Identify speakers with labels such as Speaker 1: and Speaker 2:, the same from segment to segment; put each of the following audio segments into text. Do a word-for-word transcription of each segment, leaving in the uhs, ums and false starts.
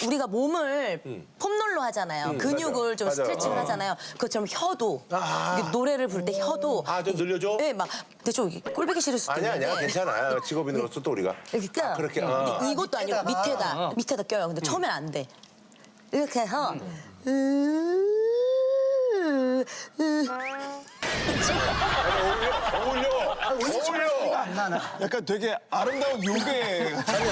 Speaker 1: 우리가 몸을 폼롤러 하잖아요.
Speaker 2: 음,
Speaker 1: 근육을 좀
Speaker 2: 맞아.
Speaker 1: 스트레칭을
Speaker 2: 어.
Speaker 1: 하잖아요. 그것처럼 혀도
Speaker 2: 아.
Speaker 1: 이게 노래를 부를 때 혀도
Speaker 2: 아, 좀 늘려줘?
Speaker 1: 네, 막 근데 좀 이게 꼴보기 싫을 수도
Speaker 2: 아니야,
Speaker 1: 있는데
Speaker 2: 아니야. 괜찮아. 직업인으로서 또 우리가.
Speaker 1: 이렇게 껴요.
Speaker 2: 아, 그렇게. 어.
Speaker 1: 근데 이것도 아니고 밑에다 밑에다 껴요. 근데 처음엔 안 돼. 이렇게 해서 음. 음.
Speaker 2: 어울려! 어울려!
Speaker 3: 안 나나. 약간 되게 아름다운 요괴.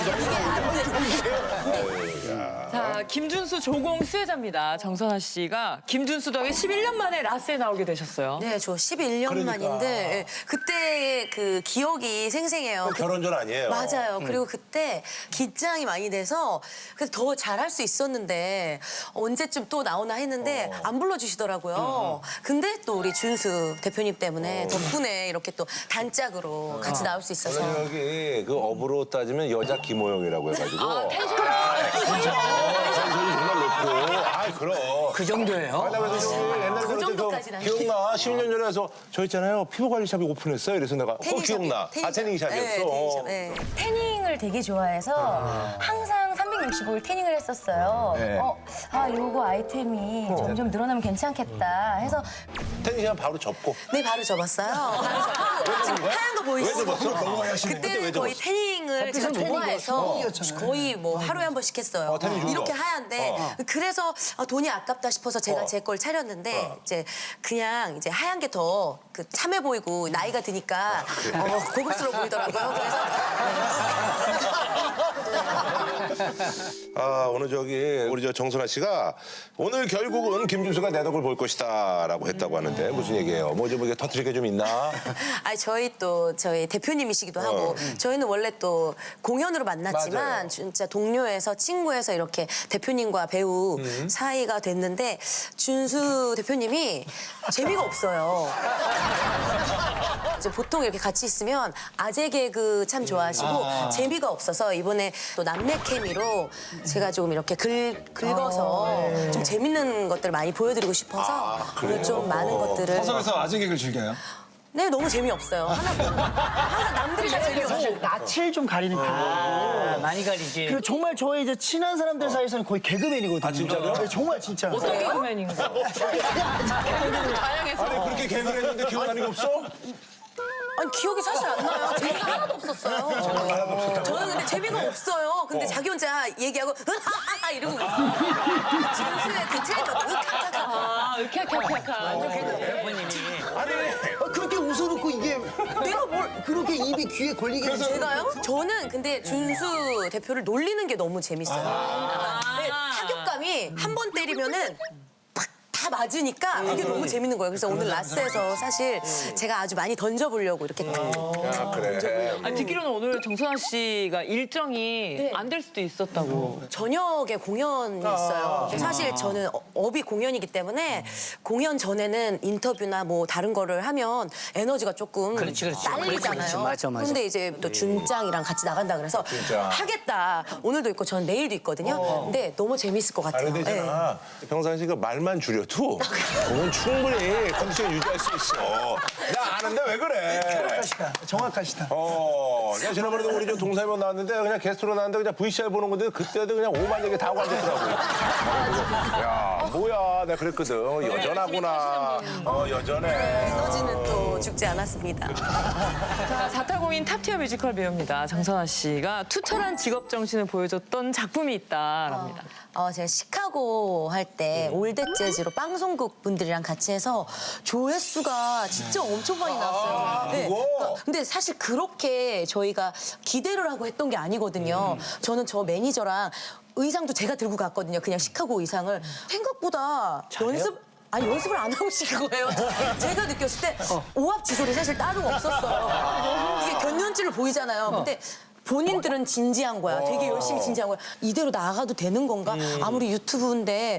Speaker 4: 자, 김준수 조공 수혜자입니다. 정선아 씨가 김준수 덕에 십일 년 만에 라스에 나오게 되셨어요.
Speaker 1: 네, 저 십일 년
Speaker 2: 그러니까.
Speaker 1: 만인데 예, 그때의 그 기억이 생생해요. 그-
Speaker 2: 결혼 전 아니에요.
Speaker 1: 맞아요. 그리고 그때 긴장이 많이 돼서 그래서 더 잘할 수 있었는데 언제쯤 또 나오나 했는데 안 불러주시더라고요. 근데 또 우리 준수 대표님 때문에 덕분에 이렇게 또 단짝으로 같이 나올 수 있어서.
Speaker 2: 저는 여기 그 업으로 따지면 여자 김호영이라고 해가지고. 아, 텐션. 텐션이 정말 높고. 아, 그럼.
Speaker 4: 그 정도예요?
Speaker 2: 아, 나 그래서 저기 옛날에
Speaker 1: 그
Speaker 2: 그럴 때
Speaker 1: 정도까지는
Speaker 2: 저 기억나? 십일 년 전에 해서 저 있잖아요. 피부관리샵이 오픈했어요. 이래서 내가 어, 기억나. 아, 태닝샵이었어.
Speaker 1: 네, 태닝샵. 네.
Speaker 5: 태닝을 되게 좋아해서 항상 삼백육십오 일 태닝을 했었어요.
Speaker 2: 네.
Speaker 5: 어, 아, 요거 아이템이 점점 늘어나면 괜찮겠다 해서
Speaker 2: 태닝샵 바로 접고.
Speaker 1: 네, 바로 접었어요. 바로 접고 지금 하얀 거 보이시죠?
Speaker 2: 왜 접었어? 너무 하시네. 그때 왜
Speaker 1: 그때는 거의
Speaker 2: 접었어?
Speaker 1: 태닝을 제가 좋아해서 거의 뭐 하루에 한 번씩 했어요.
Speaker 2: 어, 태닝 좋은
Speaker 1: 이렇게
Speaker 2: 거.
Speaker 1: 하얀데 그래서 아, 돈이 아깝다 싶어서 제가
Speaker 2: 어.
Speaker 1: 제 걸 차렸는데
Speaker 2: 어.
Speaker 1: 이제 그냥 이제 하얀 게 더 그 참해 보이고 나이가 드니까 어, 고급스러워 보이더라고요. 그래서
Speaker 2: 아, 오늘 저기 우리 저 정선아 씨가 오늘 결국은 김준수가 내 덕을 볼 것이다라고 했다고 하는데 무슨 얘기예요? 뭐 좀 이게 터트릴 게 좀 있나?
Speaker 1: 아니 저희 또 저희 대표님이시기도 하고 저희는 원래 또 공연으로 만났지만
Speaker 2: 맞아요.
Speaker 1: 진짜 동료에서 친구에서 이렇게 대표님과 배우 사이가 됐는데 준수 대표님이 재미가 없어요. 이제 보통 이렇게 같이 있으면 아재 개그 참 좋아하시고 재미가 없어서 이번에 또 남매 케미로 제가 좀 이렇게 긁, 긁어서 좀 재밌는 것들을 많이 보여드리고 싶어서 오늘 좀 많은 것들을
Speaker 3: 화성에서 아재 개그를 즐겨요?
Speaker 1: 네, 너무 재미없어요. 하나 보면 항상 남들이 다 재미없고.
Speaker 6: 낯을 좀 가리는 편이에요.
Speaker 4: 아, 많이 가리지.
Speaker 6: 그 정말 저의 이제 친한 사람들 사이에서는 거의 개그맨이거든요.
Speaker 2: 아, 진짜요?
Speaker 6: 네, 정말 진짜.
Speaker 4: 어떤 개그맨인가? 다양해서.
Speaker 2: 아니 그렇게 개그를 했는데 기억나는 게 없어?
Speaker 1: 아니, 기억이 사실 안 나요. 재미가 하나도 없었어요. 저는. 저는 근데 재미가 없어요. 근데 자기 혼자 얘기하고 으하하하 이러고 준수의 그 트레이더 으하하하.
Speaker 4: 아, 으캬캬캬캬. 대표님이.
Speaker 6: 아, 그렇게 웃어놓고 이게
Speaker 1: 내가 뭘
Speaker 6: 그렇게 입이 귀에 걸리게 해서
Speaker 1: 제가요? 저는 근데 준수 대표를 놀리는 게 너무 재밌어요. 네, 타격감이 한 번 때리면은 팍 다 맞으니까 그게 너무 재밌는 거예요. 그래서 오늘 라스에서 사실 제가 아주 많이 던져보려고 이렇게 탁
Speaker 2: 아, 그래.
Speaker 4: 아, 듣기로는 오늘 정선아 씨가 일정이
Speaker 1: 네.
Speaker 4: 안 될 수도 있었다고.
Speaker 1: 저녁에 공연이 있어요. 사실 저는 어- 업이 공연이기 때문에 공연 전에는 인터뷰나 뭐 다른 거를 하면 에너지가 조금 딸리잖아요.
Speaker 6: 그렇지, 맞아, 맞아.
Speaker 1: 근데 이제 또 준짱이랑 같이 나간다 그래서
Speaker 2: 준짱.
Speaker 1: 하겠다. 오늘도 있고 전 내일도 있거든요. 근데 너무 재밌을 것
Speaker 2: 아,
Speaker 1: 같아요.
Speaker 2: 근데 있잖아. 평상시가 말만 줄여도 그건 충분히 컨디션 유지할 수 있어. 나 아는데 왜 그래?
Speaker 6: 정확하시다. 정확하시다.
Speaker 2: 어, 내가 지난번에도 우리 좀 동사이번 나왔는데 그냥 게스트로 나왔는데 그냥 브이씨알 보는 건데 그때도 그냥 오만 얘기 다 하고 앉았더라고. 야, 뭐야. 내가 그랬거든. 여전하구나. 어, 여전해.
Speaker 1: 에너지는 또 죽지 않았습니다.
Speaker 4: 자, 자타공인 탑티어 뮤지컬 배우입니다. 정선아 씨가 투철한 직업 정신을 보여줬던 작품이 있다랍니다.
Speaker 1: 어, 제가 시카고 할 때 올댓 재즈로 방송국 분들이랑 같이 해서 조회수가 진짜 엄청 많이 나왔어요. 네.
Speaker 2: 그거?
Speaker 1: 그러니까 근데 사실 그렇게 저희가 기대를 하고 했던 게 아니거든요. 저는 저 매니저랑 의상도 제가 들고 갔거든요. 그냥 시카고 의상을. 생각보다 연습 아니 연습을 안 하고 시킨 거예요. 제가 느꼈을 때 오합지졸이 사실 따로 없었어요. 이게 견년줄을 보이잖아요. 근데 본인들은 진지한 거야. 되게 열심히 진지한 거야. 이대로 나가도 되는 건가? 아무리 유튜브인데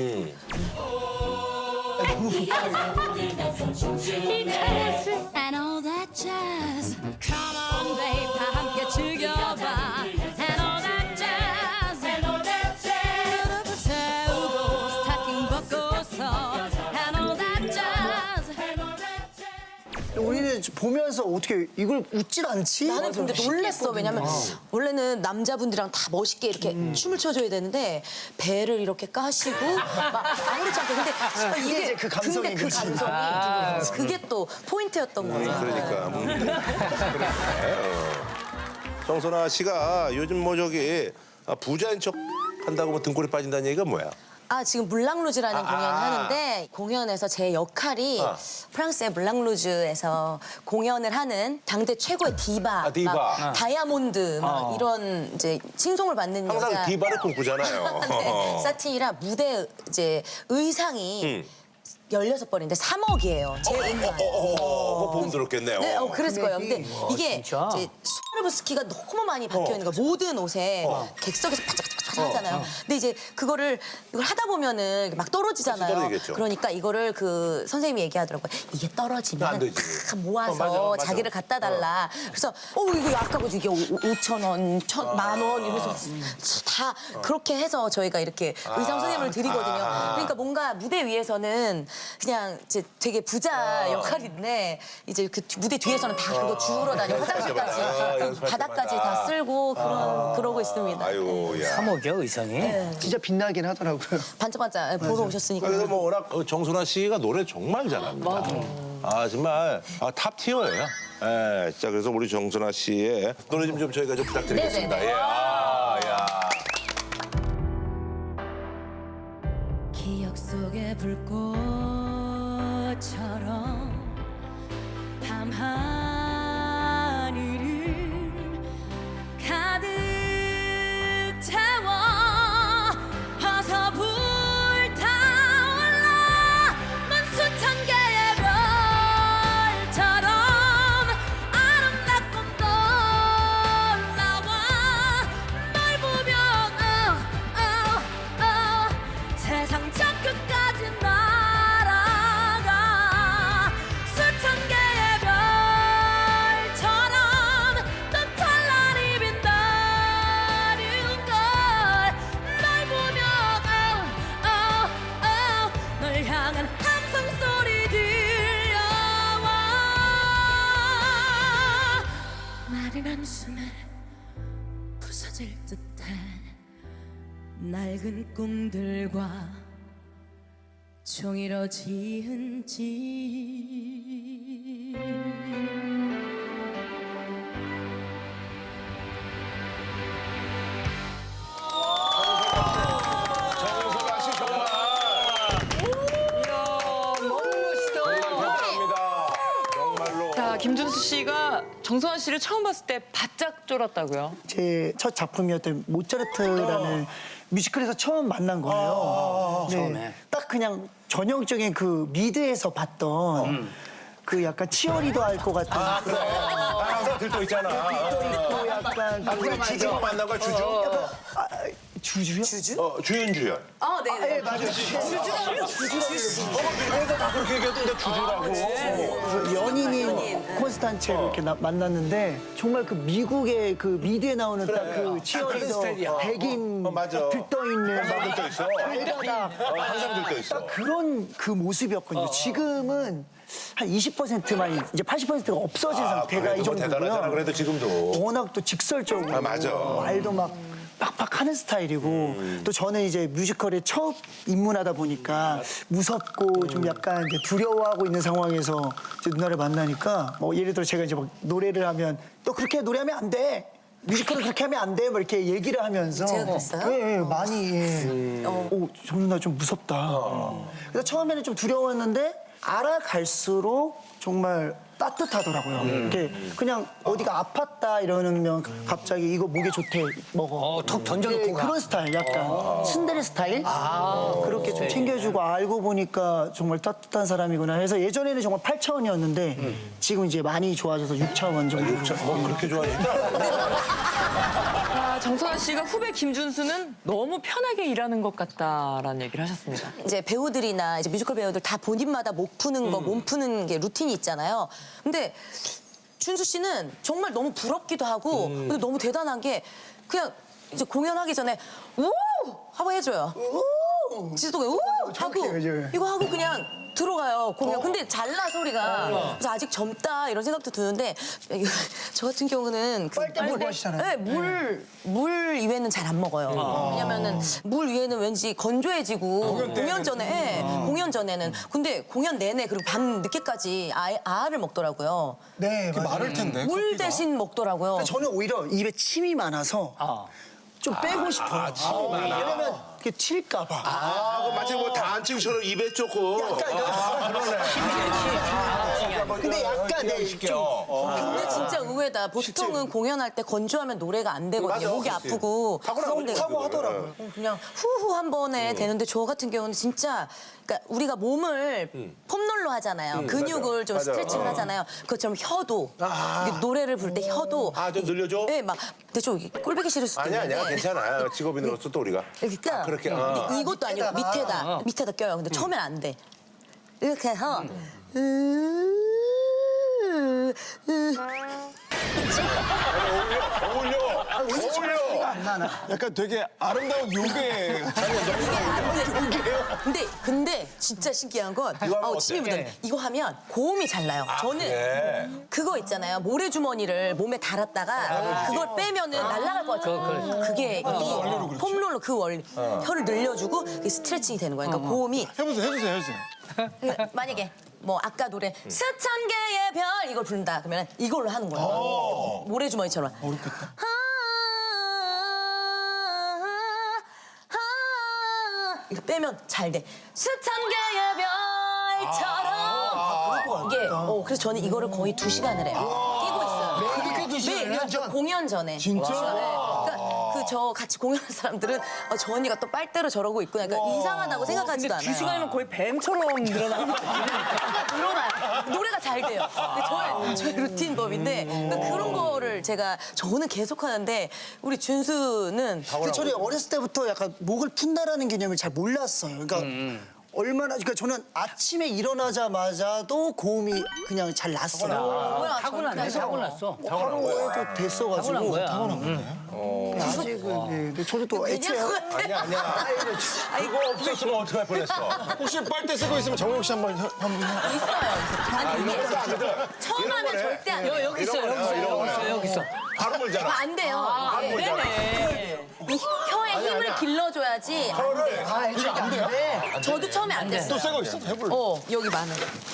Speaker 7: And all that jazz. Come on, babe, 다 함께 즐겨봐. And all that jazz. And all that jazz. 세우고 스타킹 벗고서. And all that jazz. And all that jazz.
Speaker 6: 우리는 보면서 어떻게 이걸 웃질 않지?
Speaker 1: 나는 근데 놀랬어. 왜냐면 원래는 남자분들이랑 다 멋있게 이렇게 춤을 춰줘야 되는데 배를 이렇게 까시고 막 아무렇지 않게 근데 아, 이게
Speaker 6: 이제 그 감성이
Speaker 1: 근데 그
Speaker 6: 그치.
Speaker 1: 감성이 그게 또 포인트였던 거죠.
Speaker 2: 그러니까. 음. 그래. 어. 정선아 씨가 요즘 뭐 저기 아, 부자인 척 한다고 뭐 등골이 빠진다는 얘기가 뭐야?
Speaker 1: 아 지금 물랑루즈라는
Speaker 2: 아,
Speaker 1: 공연을
Speaker 2: 아.
Speaker 1: 하는데 공연에서 제 역할이
Speaker 2: 아.
Speaker 1: 프랑스의 물랑루즈에서 공연을 하는 당대 최고의 디바,
Speaker 2: 아, 디바.
Speaker 1: 막 다이아몬드 막 이런 이제 칭송을 받는
Speaker 2: 항상
Speaker 1: 여자.
Speaker 2: 디바를 꿈꾸잖아요.
Speaker 1: 네, 사틴이라 무대 이제 의상이
Speaker 2: 음.
Speaker 1: 열여섯 벌인데 삼억이에요. 제 의상.
Speaker 2: 어, 어, 어, 뭐 보험 들었겠네요.
Speaker 1: 네, 어, 그랬을 거예요. 근데 이게
Speaker 6: 진짜?
Speaker 1: 이제 스와로브스키가 너무 많이 박혀 있는 거야. 모든 옷에 객석에서 바짝바짝 하잖아요. 근데 이제 그거를 이걸 하다 보면은 막 떨어지잖아요.
Speaker 2: 그치, 떨어지겠죠.
Speaker 1: 그러니까 이거를 그 선생님이 얘기하더라고요. 이게
Speaker 2: 안
Speaker 1: 떨어지면
Speaker 2: 되지.
Speaker 1: 탁 모아서
Speaker 2: 어, 맞아, 맞아.
Speaker 1: 자기를 갖다 달라. 그래서 어 이거 아까워지 이게 오천 원, 천, 만 원 이러면서 다 그렇게 해서 저희가 이렇게 의상 선생님을 드리거든요. 그러니까 뭔가 무대 위에서는 그냥 이제 되게 부자 역할인데 이제 그 뒤- 무대 뒤에서는 다 그거 주우러 다니고 화장실까지
Speaker 2: 아, 연습할
Speaker 1: 바닥까지
Speaker 2: 때마다.
Speaker 1: 다 쓸고 그런 그러고 있습니다.
Speaker 2: 아유, 야.
Speaker 6: 삼억이요 의상이? 진짜 빛나긴 하더라고요.
Speaker 1: 반짝반짝 보러 오셨으니까.
Speaker 2: 그래서 뭐 워낙 어, 정선아 씨가 노래 정말 잘합니다. 맞아. 아 정말 아, 탑 티어예요. 예, 자 그래서 우리 정선아 씨의 노래 좀, 좀 저희가 좀 부탁드리겠습니다.
Speaker 1: 네네네.
Speaker 2: 예, 아, 야.
Speaker 7: 기억 속의 불꽃처럼 밤하늘을 가득 채워 어서 불타올라 넌 수천 개의 별처럼 아름답고 놀라워 널 보면 oh, oh, oh, 세상 저 끝까지 날아가 수천 개의 별처럼 또 찬란히 빛나는 걸널 보면 oh, oh, oh, 널 향한 함성 소리 들려와 마른 한숨에 부서질 듯해 낡은 꿈들과 종이로 지은 집
Speaker 2: 정선아 씨 정말 대단합니다. 정말로.
Speaker 4: 자, 김준수 씨가 정선아 씨를 처음 봤을 때 바짝 쫄았다고요?
Speaker 6: 제 첫 작품이었던 모차르트라는 뮤지컬에서 처음 만난 거예요. 네,
Speaker 3: 처음에.
Speaker 6: 딱 그냥 전형적인 그 미드에서 봤던 그 약간 치어리더 할 것 같은
Speaker 2: 아, 그래. 아, 항상 들떠 있잖아.
Speaker 6: 또 약간
Speaker 2: 아, 그래, 주주로 만난 거야, 주주?
Speaker 6: 아, 주주요?
Speaker 1: 주주?
Speaker 2: 어, 주윤주연.
Speaker 1: 아, 네. 네.
Speaker 6: 맞아요.
Speaker 2: 그래서 다 그렇게 얘기했던데 주주라고.
Speaker 6: 그래서 연인인 콘스탄체를 이렇게 나- 만났는데 정말 그 미국의 그 미드에 나오는 딱 그 치어리더 백인
Speaker 2: 어, 맞아.
Speaker 6: 들떠 있는
Speaker 2: 항상 들떠 있어.
Speaker 6: 발바닥
Speaker 2: 어, 항상 들떠 있어.
Speaker 6: 그런 그 모습이었거든요. 지금은 한 이십 퍼센트만 이제 팔십 퍼센트가 없어진 상태가
Speaker 2: 그래도
Speaker 6: 이
Speaker 2: 뭐 대단하잖아,
Speaker 6: 정도고요.
Speaker 2: 그래도 지금도.
Speaker 6: 워낙 또 직설적으로
Speaker 2: 아, 맞아.
Speaker 6: 말도 막 빡빡 하는 스타일이고 또 저는 이제 뮤지컬에 처음 입문하다 보니까 무섭고 좀 약간 이제 두려워하고 있는 상황에서 이제 누나를 만나니까 뭐 예를 들어 제가 이제 막 노래를 하면 너 그렇게 노래하면 안 돼. 뮤지컬을 그렇게 하면 안 돼. 뭐 이렇게 얘기를 하면서
Speaker 1: 제가 그랬어요?
Speaker 6: 예, 예, 많이 예. 오, 저 누나 좀 무섭다. 그래서 처음에는 좀 두려웠는데 알아갈수록 정말 따뜻하더라고요. 이렇게 그냥 어디가 아팠다 이러면 갑자기 이거 목에 좋대 먹어. 어, 툭 던져놓고 그런 스타일, 약간 츤데레 스타일. 그렇게 좀 챙겨주고 알고 보니까 정말 따뜻한 사람이구나 해서 예전에는 정말 팔 차원이었는데 지금 이제 많이 좋아져서 육 차원 정도.
Speaker 2: 뭐 그렇게 좋아하니까.
Speaker 4: 아, 정선아 씨가 후배 김준수는 너무 편하게 일하는 것 같다라는 얘기를 하셨습니다.
Speaker 1: 이제 배우들이나 이제 뮤지컬 배우들 다 본인마다 목 푸는 거, 몸 푸는 게 루틴이 있잖아요. 근데 준수 씨는 정말 너무 부럽기도 하고 근데 너무 대단한 게 그냥 이제 공연하기 전에 우 하고 해줘요. 지도 우 하고
Speaker 6: 정확해요, 이제.
Speaker 1: 이거 하고 그냥 들어가요 공연. 근데 잘나 소리가. 그래서 아직 젊다 이런 생각도 드는데 저 같은 경우는 그
Speaker 6: 빨대 물고 하시잖아요.
Speaker 1: 네, 물, 물 이외에는 잘 안 먹어요. 왜냐면은 물 위에는 왠지 건조해지고 공연, 전에 예, 공연 전에는 근데 공연 내내 그리고 밤 늦게까지 아, 아를 먹더라고요.
Speaker 6: 네,
Speaker 3: 그게
Speaker 6: 맞아요.
Speaker 3: 마를 텐데.
Speaker 1: 물
Speaker 3: 커피가.
Speaker 1: 대신 먹더라고요.
Speaker 6: 저는 오히려 입에 침이 많아서 좀 빼고 싶어요. 왜냐면 그게 튈까 봐.
Speaker 2: 아, 그 마치 뭐 다한증처럼 입에 조금. 아, 그러네.
Speaker 6: 근데 약간 네, 좀
Speaker 1: 근데 진짜 의외다. 보통은 공연할 때 건조하면 노래가 안 되거든요.
Speaker 2: 맞아,
Speaker 1: 목이
Speaker 2: 그렇지.
Speaker 1: 아프고
Speaker 2: 타고나고
Speaker 1: 그런데
Speaker 2: 타고 하더라고요.
Speaker 1: 그냥 후후 한 번에 되는데 저 같은 경우는 진짜 그러니까 우리가 몸을 폼롤러 하잖아요. 근육을 좀
Speaker 2: 맞아.
Speaker 1: 스트레칭을
Speaker 2: 어.
Speaker 1: 하잖아요. 그것처럼 혀도 이게 노래를 부를 때 혀도
Speaker 2: 아, 좀 늘려줘?
Speaker 1: 네, 막 근데 좀 이게 꼴보기 싫을 수도
Speaker 2: 아니야,
Speaker 1: 있는데
Speaker 2: 아니야. 괜찮아. 직업인으로서 또 우리가.
Speaker 1: 그러니까
Speaker 2: 아, 그렇게. 어.
Speaker 1: 근데 이것도 아니고 밑에다 밑에다 껴요. 근데 처음엔 안 돼. 이렇게 해서 음.
Speaker 2: 어울려. 어울려.
Speaker 6: 안 나나.
Speaker 3: 약간 되게 아름다운 요괴.
Speaker 1: 이게 안 돼. 근데 근데 진짜 신기한 건
Speaker 2: 이거 하면
Speaker 1: 아우
Speaker 2: 어때?
Speaker 1: 침이 묻어. 이거 하면 고음이 잘 나요. 저는
Speaker 2: 그래.
Speaker 1: 그거 있잖아요. 모래주머니를 몸에 달았다가 그걸 빼면은 날아갈 것 같아요. 그게 이 폼롤러 그 원리. 혀를 늘려주고 그게 스트레칭이 되는 거예요. 그러니까 고음이
Speaker 3: 해보세요, 해주세요, 해주세요.
Speaker 1: 그러니까 만약에 뭐 아까 노래 스천 개의 별 이걸 부른다 그러면 이걸로 하는 거예요. 모래주머니처럼.
Speaker 3: 어렵겠다.
Speaker 1: 이거 빼면 잘 돼. 스천 개의 별처럼. 이게 어 그래서 저는 이거를 거의 두 시간을 해요. 끼고 있어요.
Speaker 6: 그렇게 두 시간?
Speaker 1: 네, 네, 공연 전에. 진짜? 그러니까 그 저 같이 공연하는 사람들은 어, 저 언니가 또 빨대로 저러고 있구나. 그러니까 이상하다고 생각하지도 않아요.
Speaker 4: 두 시간이면 거의 뱀처럼 늘어나는 거예요.
Speaker 1: 늘어나요. 노래가 잘 돼요. 근데 저의, 저의 루틴법인데 그러니까 그런 거를 제가 저는 계속 하는데 우리 준수는
Speaker 6: 근데 저는 어렸을 때부터 약간 목을 푼다라는 개념을 잘 몰랐어요. 그러니까 얼마나 그러니까 저는 아침에 일어나자마자도 고음이 그냥 잘 났어요.
Speaker 1: 뭐야
Speaker 8: 타고났네, 타고났어.
Speaker 6: 하루에도 됐어가지고
Speaker 8: 타고난 거야.
Speaker 6: 아직은 네. 근데 저도 또 애초에
Speaker 1: 그냥 것 같아.
Speaker 2: 아니야, 아니야. 그거 없었으면 어떡할 뻔했어.
Speaker 3: 혹시 빨대 쓰고 있으면 정욱 씨 한번 혀- 한번 해-
Speaker 1: 있어요. 아니 이게
Speaker 2: 이런 거
Speaker 1: 처음
Speaker 2: 이런
Speaker 1: 하면
Speaker 2: 거네.
Speaker 1: 절대 안 돼요.
Speaker 8: 여기 있어,
Speaker 2: 이런
Speaker 8: 여기 있어,
Speaker 2: 거야, 이런
Speaker 8: 여기 있어,
Speaker 2: 거야.
Speaker 8: 여기 있어.
Speaker 2: 바로 물잖아.
Speaker 1: 안 돼요.
Speaker 2: 바로
Speaker 1: 이게
Speaker 2: 물잖아.
Speaker 1: 이 혀에 힘을
Speaker 2: 아니야.
Speaker 1: 길러줘야지. 안
Speaker 2: 혀를.
Speaker 1: 돼.
Speaker 6: 아 애초에 안 돼.
Speaker 1: 저도 처음에 안 됐어요.
Speaker 3: 또 새거 있어? 해볼래?
Speaker 1: 어 여기 많은.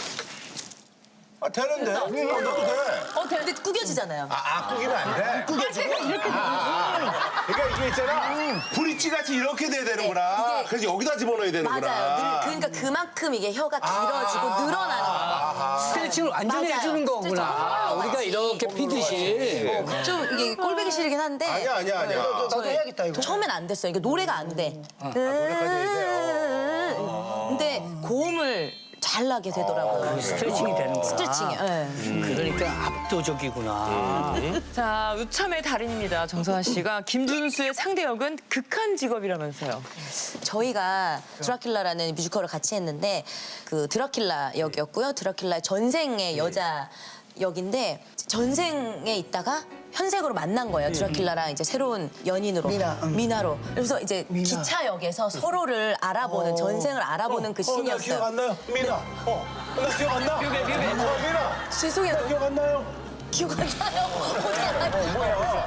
Speaker 2: 아, 되는데. 응, 너도 돼.
Speaker 1: 어 근데 구겨지잖아요.
Speaker 2: 아, 아, 꾸기면 안 돼. 꾸겨지고? 이렇게 아, 그러니까 이게 있잖아. 브릿지 같이 이렇게 돼야 되는구나.
Speaker 1: 네, 이게-
Speaker 2: 그래서 여기다 집어넣어야 되는구나.
Speaker 1: 맞아요. 늘, 그러니까 그만큼 이게 혀가 길어지고 늘어나는 거예요.
Speaker 8: 스트레칭을 완전히
Speaker 1: 맞아요.
Speaker 8: 해주는 거구나.
Speaker 1: 스트레칭.
Speaker 8: 우리가 이렇게 피듯이.
Speaker 1: 좀 이게 꼴보기 싫긴 한데.
Speaker 2: 아니야, 아니야, 아니야.
Speaker 6: 나도 해야겠다 이거.
Speaker 1: 처음엔 안 됐어요. 이게 노래가 안 돼.
Speaker 2: 노래까지 해야
Speaker 1: 근데 고음을 잘 나게 되더라고요.
Speaker 8: 스트레칭이 되는구나.
Speaker 1: 스트레칭이. 예.
Speaker 8: 그러니까 압도적이구나.
Speaker 4: 자, 우참의 달인입니다. 정선아 씨가 김준수의 상대 역은 극한 직업이라면서요.
Speaker 1: 저희가 드라큘라라는 뮤지컬을 같이 했는데 그 드라큘라 역이었고요. 드라큘라의 전생의 여자 역인데 전생에 있다가 현생으로 만난 거예요. 드라큘라랑 이제 새로운 연인으로
Speaker 6: 미나, 응.
Speaker 1: 미나로. 그래서 이제
Speaker 6: 미나.
Speaker 1: 기차역에서 서로를 알아보는 전생을 알아보는 그
Speaker 2: 어, 나 기억
Speaker 1: 씬이었어요.
Speaker 2: 안 나요. 미나. 어, 나 기억 안 나.
Speaker 4: 뮤베, 뮤베.
Speaker 2: 어, 미나.
Speaker 1: 죄송해요.
Speaker 2: 나 기억 안 나요.
Speaker 1: 기억 안 나요.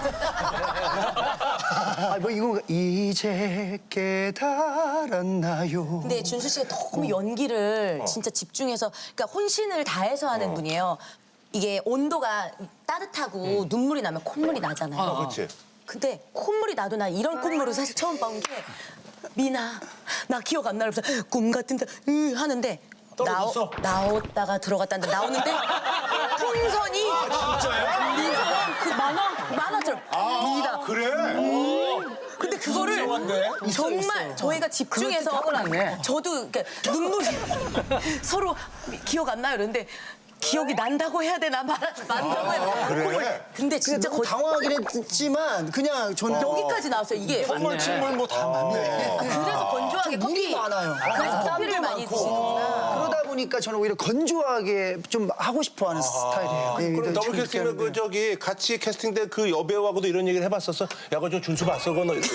Speaker 6: 아 뭐 이거 이제 깨달았나요?
Speaker 1: 근데 준수 씨가 너무 연기를 진짜 집중해서 그러니까 혼신을 다해서 하는 분이에요. 이게 온도가 따뜻하고 눈물이 나면 콧물이 나잖아요.
Speaker 2: 어, 그렇지.
Speaker 1: 근데 콧물이 나도 나 이런 콧물을 사실 처음 본 게 미나 나 기억 안 나면서 꿈 같은데 으 하는데 나오,
Speaker 2: 떨어졌어?
Speaker 1: 나왔다가 들어갔다는데 나오는데 풍선이 진짜요? 미나 그 만화 만화처럼 미나
Speaker 2: 그래?
Speaker 1: 근데 그거를 정말 저희가 집중해서
Speaker 8: 타고났네.
Speaker 1: 저도 그러니까 눈물이 서로 기억 안 나요 이러는데 기억이 난다고 해야 되나 말 난다고 해야 되나
Speaker 2: 그래?
Speaker 1: 그걸- 근데 진짜
Speaker 6: 너무
Speaker 1: 거의
Speaker 6: 당황하긴 했지만 그냥 저는
Speaker 1: 여기까지 나왔어요 이게
Speaker 3: 콧물, 침물 뭐 다 맞네.
Speaker 1: 그래서 건조하게
Speaker 6: 물이
Speaker 1: 커피
Speaker 6: 많아요.
Speaker 1: 그래서 커피를
Speaker 6: 땀도
Speaker 1: 많이
Speaker 6: 많고.
Speaker 1: 드시는구나
Speaker 6: 그러다 보니까 저는 오히려 건조하게 좀 하고 싶어하는 스타일이에요. 예,
Speaker 2: 그럼
Speaker 6: 네,
Speaker 2: 더블
Speaker 6: 참
Speaker 2: 캐스팅은
Speaker 6: 느끼는데.
Speaker 2: 그 저기 같이 캐스팅된 그 여배우하고도 이런 얘기를 해봤었어? 야, 그거 저 준수 봤어? 그거 너. 어.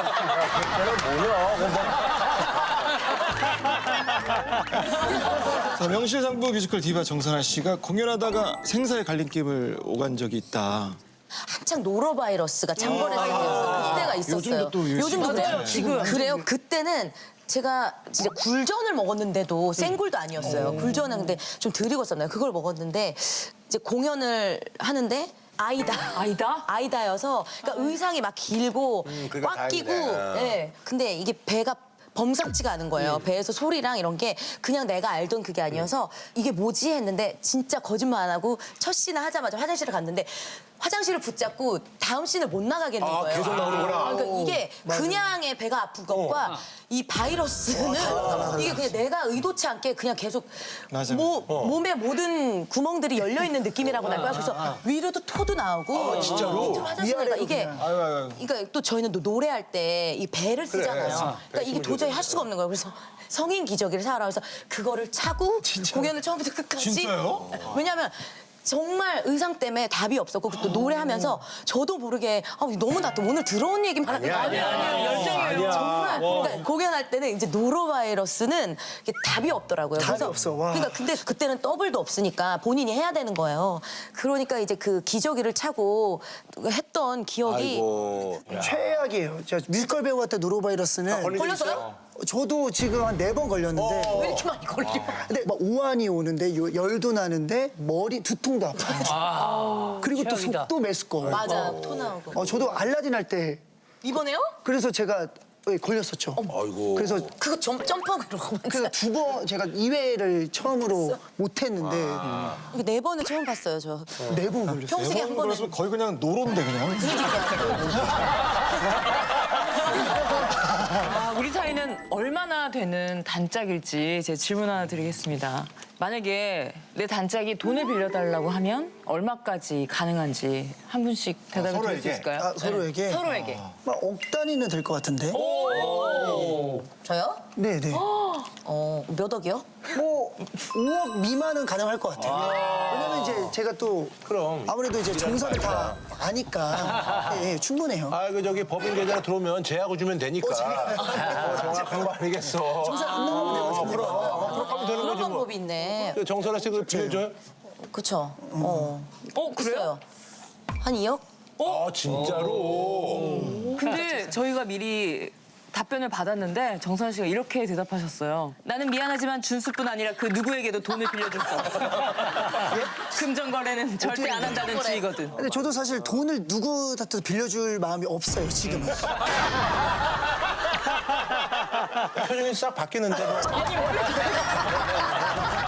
Speaker 2: 걔는 뭐냐? 그거 뭐.
Speaker 3: 자, 명실상부 뮤지컬 디바 정선아 씨가 공연하다가 생사의 갈림길을 오간 적이 있다.
Speaker 1: 한창 노로바이러스가 창궐했을 때였어. 그때가 있었어요.
Speaker 3: 요즘도 또 열심히
Speaker 1: 요즘도
Speaker 4: 맞아요,
Speaker 1: 그래요.
Speaker 4: 지금.
Speaker 1: 그래요. 그때는 제가 진짜 굴전을 먹었는데도 생굴도 아니었어요. 굴전은 근데 좀 덜 익었었나요? 그걸 먹었는데 이제 공연을 하는데 아이다.
Speaker 4: 아이다?
Speaker 1: 아이다여서 그러니까 의상이 막 길고
Speaker 2: 그러니까
Speaker 1: 꽉 끼고
Speaker 2: 다행이네.
Speaker 1: 예. 근데 이게 배가 범상치가 않은 거예요. 배에서 소리랑 이런 게 그냥 내가 알던 그게 아니어서 이게 뭐지 했는데 진짜 거짓말 안 하고 첫 씬을 하자마자 화장실을 갔는데 화장실을 붙잡고 다음 씬을 못 나가겠는
Speaker 2: 아,
Speaker 1: 거예요.
Speaker 2: 계속 나오는구나.
Speaker 1: 아, 그러니까 이게 그냥의 배가 아픈 것과 이 바이러스는 이게 그냥 내가 의도치 않게 그냥 계속
Speaker 3: 맞아.
Speaker 1: 모, 몸의 모든 구멍들이 열려 있는 느낌이라고 날 거야. 그래서 위로도 토도 나오고 진짜로 밑으로 화장실 가니까 이게
Speaker 3: 아유, 아유, 아유.
Speaker 1: 그러니까 또 저희는 또 노래할 때 이 배를 쓰잖아요. 그러니까 이게 도저히 할 수가 없는 거예요. 그래서 성인 기저귀를 사라 그래서 그거를 차고 공연을 처음부터 끝까지.
Speaker 3: 진짜요?
Speaker 1: 왜냐하면 정말 의상 때문에 답이 없었고 또 노래하면서 저도 모르게 아, 너무 나 또 오늘 들어온 얘기만 하는 거 아니야?
Speaker 4: 아니에요, 열정이에요.
Speaker 1: 정말 그러니까 공연할 때는 이제 노로바이러스는 이게 답이 없더라고요.
Speaker 6: 답이 없어, 와.
Speaker 1: 그러니까 근데 그때는 더블도 없으니까 본인이 해야 되는 거예요. 그러니까 이제 그 기저귀를 차고 했던 기억이
Speaker 2: 아이고.
Speaker 6: 최악이에요. 제가 뮤지컬 배우 할 때 노로바이러스는
Speaker 2: 걸린 적
Speaker 1: 걸렸어요?
Speaker 2: 있어요?
Speaker 6: 저도 지금 한 네 번 걸렸는데
Speaker 1: 왜 이렇게 많이 걸려?
Speaker 6: 근데 막 오한이 오는데 요- 열도 나는데 머리 두통도 아파요. 그리고 또
Speaker 8: 최악이다.
Speaker 6: 속도 메스꺼워요.
Speaker 1: 맞아, 토 나오고.
Speaker 6: 어, 저도 알라딘 할 때
Speaker 1: 이번에요?
Speaker 6: 그래서 제가 예, 걸렸었죠.
Speaker 2: 아이고.
Speaker 6: 그래서
Speaker 1: 그거 점, 점프하고 이러고
Speaker 6: 그래서 두 번 제가 이 회를 처음으로 못 했는데
Speaker 1: 이거 네 번을 처음 봤어요, 저.
Speaker 6: 네 번 걸렸어요.
Speaker 1: 평생에 한 번은.
Speaker 3: 그래서 거의 그냥 노론데 그냥.
Speaker 4: 아, 우리 사이는 얼마나 되는 단짝일지 제 질문 하나 드리겠습니다. 만약에 내 단짝이 돈을 빌려달라고 하면 얼마까지 가능한지 한 분씩 대답을 드릴 수
Speaker 3: 서로에게?
Speaker 4: 있을까요?
Speaker 6: 아, 서로에게?
Speaker 4: 서로에게.
Speaker 6: 막 억 단위는 될 것 같은데.
Speaker 1: 저요?
Speaker 6: 네, 네.
Speaker 1: 어, 몇 억이요?
Speaker 6: 뭐 오억 미만은 가능할 것 같아요. 왜냐면 이제 제가 또
Speaker 2: 그럼.
Speaker 6: 아무래도 이제 정선을 다 아니까 예, 예, 충분해요.
Speaker 2: 아, 그 저기 법인 계좌 들어오면 제하고 주면 되니까. 어, 정확한 거 아니겠어.
Speaker 6: 정선 안 나가면 되거든요.
Speaker 2: 어, 그럼. 어, 그럼 하면 되는
Speaker 1: 그런
Speaker 2: 거지 뭐.
Speaker 1: 방법이 있네.
Speaker 2: 그 정선아 씨 그거 빌려줘요?
Speaker 1: 그쵸. 어.
Speaker 4: 어, 그래요?
Speaker 1: 있어요. 한 이억?
Speaker 2: 아, 진짜로?
Speaker 4: 근데 저희가 미리 답변을 받았는데 정선 씨가 이렇게 대답하셨어요. 나는 미안하지만 준수뿐 아니라 그 누구에게도 돈을 빌려줄 수 없어. 금전 거래는 절대 안 한다는 주의거든.
Speaker 6: 근데 저도 사실 돈을 누구한테도 빌려줄 마음이 없어요, 지금은.
Speaker 2: 표정이 싹 바뀌는데. 뭐.